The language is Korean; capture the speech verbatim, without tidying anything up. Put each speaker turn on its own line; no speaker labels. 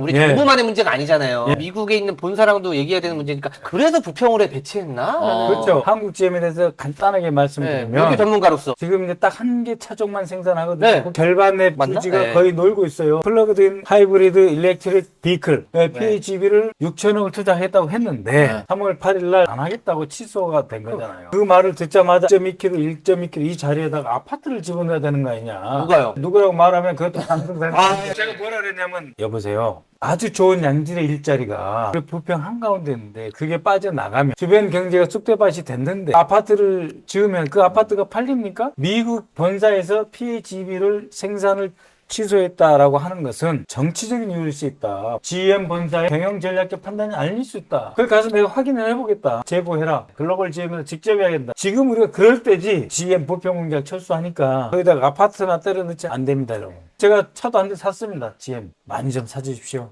우리
예.
정부만의 문제가 아니잖아요.
예.
미국에 있는 본사랑도 얘기해야 되는 문제니까 그래서 부평으로 해 배치했나?
어.
그렇죠. 한국 지엠에 대해서 간단하게
네,
말씀드리면
이렇게 전문가로서.
지금 이제 딱 한 개 차종만 생산하거든요.
네.
그 결반의
맞나?
부지가
네.
거의 놀고 있어요. 플러그드인 하이브리드 일렉트릭 비클 피에이치비를 육천억을 투자했다고 했는데
네.
삼월 팔일 날 안 하겠다고 취소가 된 거잖아요. 그 말을 듣자마자 일 점 이 킬로미터, 일 점 이 킬로미터 이 자리에다가 아파트를 집어넣어야 되는 거 아니냐.
누가요?
누구라고 말하면 그것도 상승되는
아,
거예요. 제가 뭐라 그랬냐면 여보세요. 아주 좋은 양질의 일자리가 우리 부평 한가운데 있는데 그게 빠져나가면 주변 경제가 쑥대밭이 됐는데 아파트를 지으면 그 아파트가 팔립니까? 미국 본사에서 피에이치비를 생산을 취소했다라고 하는 것은 정치적인 이유일 수 있다. 지엠 본사의 경영 전략적 판단이 아닐 수 있다. 그걸 가서 내가 확인을 해보겠다. 제보해라. 글로벌 지엠에서 직접 해야겠다. 지금 우리가 그럴 때지 지엠 부평 공장 철수하니까 거기다가 아파트나 때려 넣지 안 됩니다, 여러분. 제가 차도 한 대 샀습니다. 지엠 많이 좀 사주십시오.